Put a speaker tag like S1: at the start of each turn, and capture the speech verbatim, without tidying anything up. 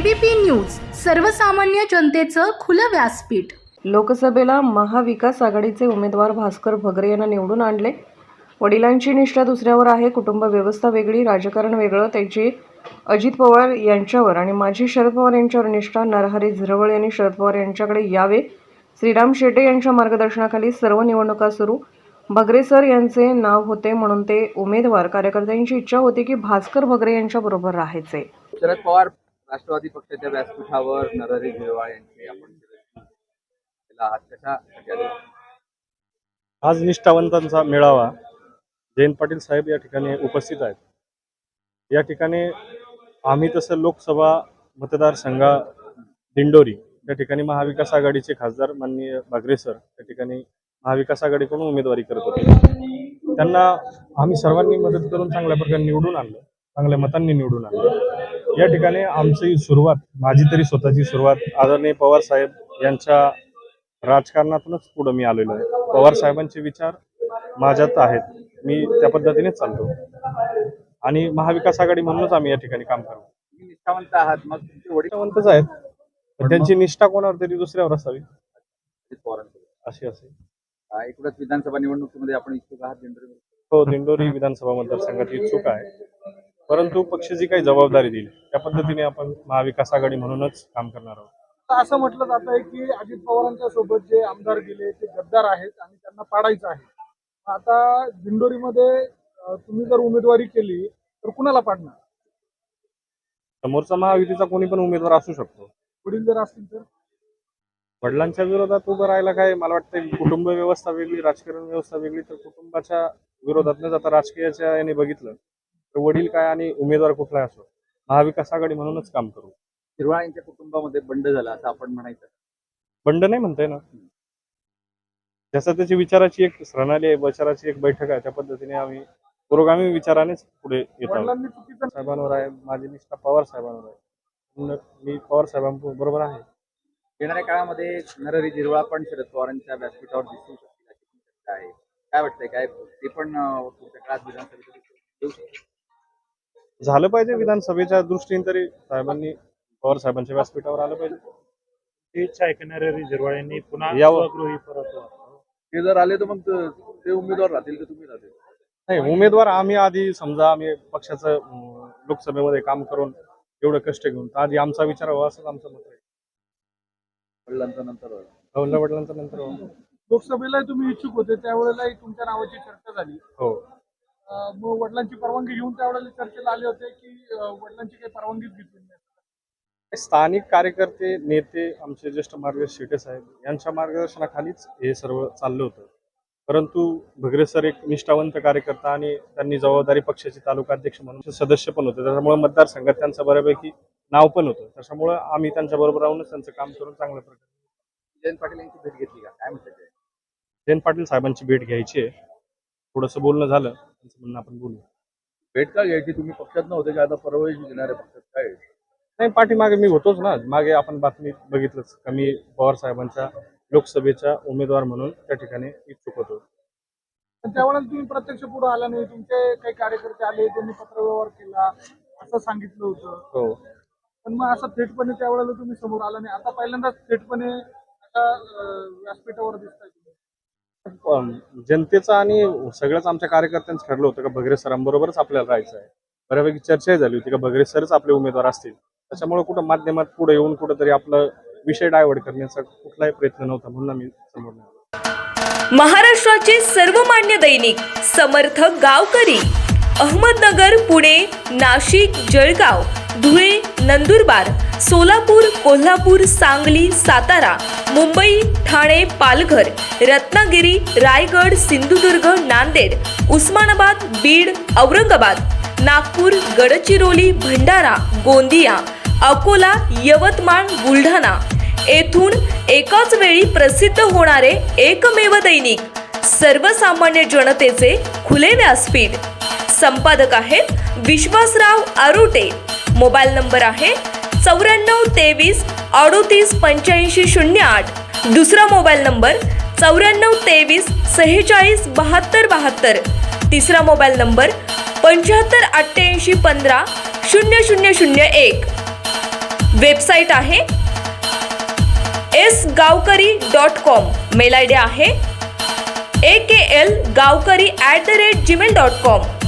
S1: ABP news, सर्वसामान्य जनतेचं खुलं व्यासपीठ।
S2: लोकसभेला महाविकास आघाडीचे उमेदवार भास्कर भगरे यांना निवडून आणले। वडिलांची निष्ठा दुसऱ्यावर आहे, कुटुंब व्यवस्था वेगळी, राजकारण वेगळं, त्याची अजित पवार यांच्यावर आणि माजी शरद पवार यांच्यावर निष्ठा। नरहरी झिरवळ यांनी शरद पवार यांच्याकडे यावे। श्रीराम शेटे यांच्या मार्गदर्शनाखाली सर्व निवडणुका सुरू। भगरे सर यांचे नाव होते म्हणून ते उमेदवार। कार्यकर्त्यांची इच्छा होती की भास्कर भगरे यांच्या बरोबर राहायचे।
S3: शरद पवार राष्ट्रवादी पक्षाच्या व्यासपीठावर नरहरी झिरवळ यांची आपण हात कशा केला?
S4: आज निष्ठावंतांचा मेळावा जयंत पाटील साहेब या ठिकाणी उपस्थित आहेत। या ठिकाणी आम्ही तसं लोकसभा मतदारसंघा दिंडोरी या ठिकाणी महाविकास आघाडीचे खासदार माननीय भगरे सर या ठिकाणी महाविकास आघाडीकडून उमेदवारी करत होते। त्यांना आम्ही सर्वांनी मदत करून चांगल्या प्रकारे निवडून आणलं, चांगल्या मतांनी निवडून आणलं। या ठिकाणी आमची सुरुवात, माझी तरी स्वतःची सुरुवात आदरणीय पवार साहेब यांच्या राजकारणातूनच पुढे मी आलेलो आहे। पवार साहेबांचे विचार माझ्यात आहेत, मी त्या पद्धतीनेच चालतो आणि महाविकास आघाडी म्हणूनच आम्ही या ठिकाणी काम करतो।
S3: निष्ठावंत आहात, मग तुमचे वडील
S4: निष्ठावंतच आहेत, पण त्यांची निष्ठा कोणावर तरी दुसऱ्यावर असावी अशी असेल।
S3: एकूणच विधानसभा निवडणुकीमध्ये आपण इच्छुक आहात दिंडोरी?
S4: हो, दिंडोरी विधानसभा मतदारसंघात इच्छुक आहे, परंतु पक्ष जी काही जबाबदारी दिली त्या पद्धतीने आपण महाविकास आघाडी म्हणूनच काम करणार आहोत।
S5: असं म्हटलं जात आहे की अजित पवारांच्या सोबत जे आमदार गेले ते गद्दार आहेत आणि त्यांना पाडायचं आहे। आता दिंडोरीमध्ये तुम्ही जर उमेदवारी केली तर कुणाला पाडणार?
S4: समोरचा महायुतीचा कोणी पण उमेदवार असू शकतो।
S5: वडील जर असतील तर
S4: वडिलांच्या विरोधात उभं राहायला काय, मला वाटतं कुटुंब व्यवस्था वेगळी, राजकारण व्यवस्था वेगळी, तर कुटुंबाच्या विरोधात न जाता राजकीयाच्या याने बघितलं तर वडील काय आणि उमेदवार कुठलाही असो, महाविकास आघाडी म्हणूनच काम करू।
S3: झिरवळ यांच्या कुटुंबामध्ये बंड झाला असं आपण म्हणायचं?
S4: बंड नाही म्हणताय ना, जसं त्याची विचाराची एक प्रणाली आहे, विचाराची एक बैठक आहे, त्या पद्धतीने आम्ही पुरोगामी विचारानेच पुढे येत आहोत। साहेबांवर आहे, माझी निष्ठा पवार साहेबांवर आहे, मी पवार साहेबांबरोबर आहे।
S3: येणाऱ्या काळामध्ये नरहरी झिरवळ पण शरद पवारांच्या व्यासपीठावर दिसू शकतील अशी शक्यता आहे, काय वाटतंय? काय ते पण पुढच्या काळात विधानसभेत येऊ शकतील?
S4: झालं पाहिजे, विधानसभेच्या दृष्टीने तरी साहेबांनी पवार साहेबांच्या व्यासपीठावर आलं पाहिजे।
S6: ती इच्छा आहे नरहरी झिरवळ यांनी पुन्हा
S4: यावं।
S3: ते जर आले तर मग ते उमेदवार राहतील की तुम्ही राहतील?
S4: नाही, उमेदवार आम्ही आधी समजा आम्ही पक्षाचं लोकसभेमध्ये काम करून एवढं कष्ट घेऊन आधी आमचा विचार व्हावा असं आमचं मत आहे।
S3: वडिलांचा नंतर
S4: वडिला वडिलांचा नंतर
S5: लोकसभेला तुम्ही इच्छुक होते त्यावेळेलाही तुमच्या नावाची चर्चा झाली।
S4: हो,
S5: मग वडिलांची परवानगी घेऊन त्यावेळेला चर्चेला आले होते की वडिलांची काही परवानगीच घेतली नाही?
S4: स्थानिक कार्यकर्ते, नेते, आमचे ज्येष्ठ मार्गदर्शक शेटे साहेब यांच्या मार्गदर्शनाखालीच हे सर्व चाललं होतं, परंतु भगरे सर एक निष्ठावंत कार्यकर्ता आणि त्यांनी जबाबदारी पक्षाचे तालुका अध्यक्ष म्हणून सदस्य पण होते, त्याच्यामुळे मतदारसंघात त्यांचं बऱ्यापैकी नाव पण होतं, त्याच्यामुळे आम्ही त्यांच्या बरोबर राहूनच त्यांचं काम करून चांगल्या प्रकारे।
S3: जयंत पाटील यांची भेट घेतली का, काय म्हणतात?
S4: जयंत पाटील साहेबांची भेट घ्यायची आहे, थोडंसं बोलणं झालं, त्यांचं म्हणणं आपण बोलू।
S3: भेट का घ्यायची? तुम्ही पक्षात नव्हते का, आता परवाही घेणाऱ्या पक्षात काय?
S4: नाही, पाठीमागे मी होतोच ना, मागे आपण बातमी बघितलंच का मी पवार साहेबांच्या लोकसभेचा उमेदवार म्हणून त्या ठिकाणी इच्छुक होतो।
S5: त्यावेळेला तुम्ही प्रत्यक्ष पुढे आला नाही, तुमचे काही कार्यकर्ते आले, त्यांनी पत्रव्यवहार केला असं सांगितलं होतं।
S4: हो,
S5: पण मग असं थेटपणे त्यावेळेला तुम्ही समोर आला नाही, आता पहिल्यांदाच थेटपणे आता व्यासपीठावर दिसताय तुम्ही।
S4: जनतेचा आणि सगळ्याच आमच्या कार्यकर्त्यांचं ठरलं होतं का भगरे सरांबरोबरच आपल्याला राहायचं आहे। बऱ्यापैकी चर्चाही झाली होती का भगरे सरच आपले उमेदवार असतील, त्याच्यामुळे कुठं माध्यमात पुढे येऊन कुठंतरी आपलं विषय डायव्हर्ट करण्याचा कुठलाही प्रयत्न नव्हता, म्हणून आम्ही समोर नाही।
S7: महाराष्ट्राचे सर्वमान्य दैनिक समर्थ गावकरी अहमदनगर, पुणे, नाशिक, जळगाव, धुळे, नंदुरबार, सोलापूर, कोल्हापूर, सांगली, सातारा, मुंबई, ठाणे, पालघर, रत्नागिरी, रायगड, सिंधुदुर्ग, नांदेड, उस्मानाबाद, बीड, औरंगाबाद, नागपूर, गडचिरोली, भंडारा, गोंदिया, अकोला, यवतमाळ, बुलढाणा येथून एकाच वेळी प्रसिद्ध होणारे एकमेव दैनिक सर्वसामान्य जनतेचे खुले व्यासपीठ। संपादक आहेत विश्वासराव आरोटे। मोबाईल नंबर आहे चौऱ्याण्णव तेवीस अडोतीस पंच्याऐंशी शून्य आठ। दुसरा मोबाईल नंबर चौऱ्याण्णव तेवीस सेहेचाळीस बहात्तर बहात्तर। तिसरा मोबाईल नंबर पंच्याहत्तर अठ्ठ्याऐंशी पंधरा शून्य शून्य शून्य एक। वेबसाईट आहे S Gavkari dot com. Mail I D आहे A K L Gavkari at the rate Gmail dot com.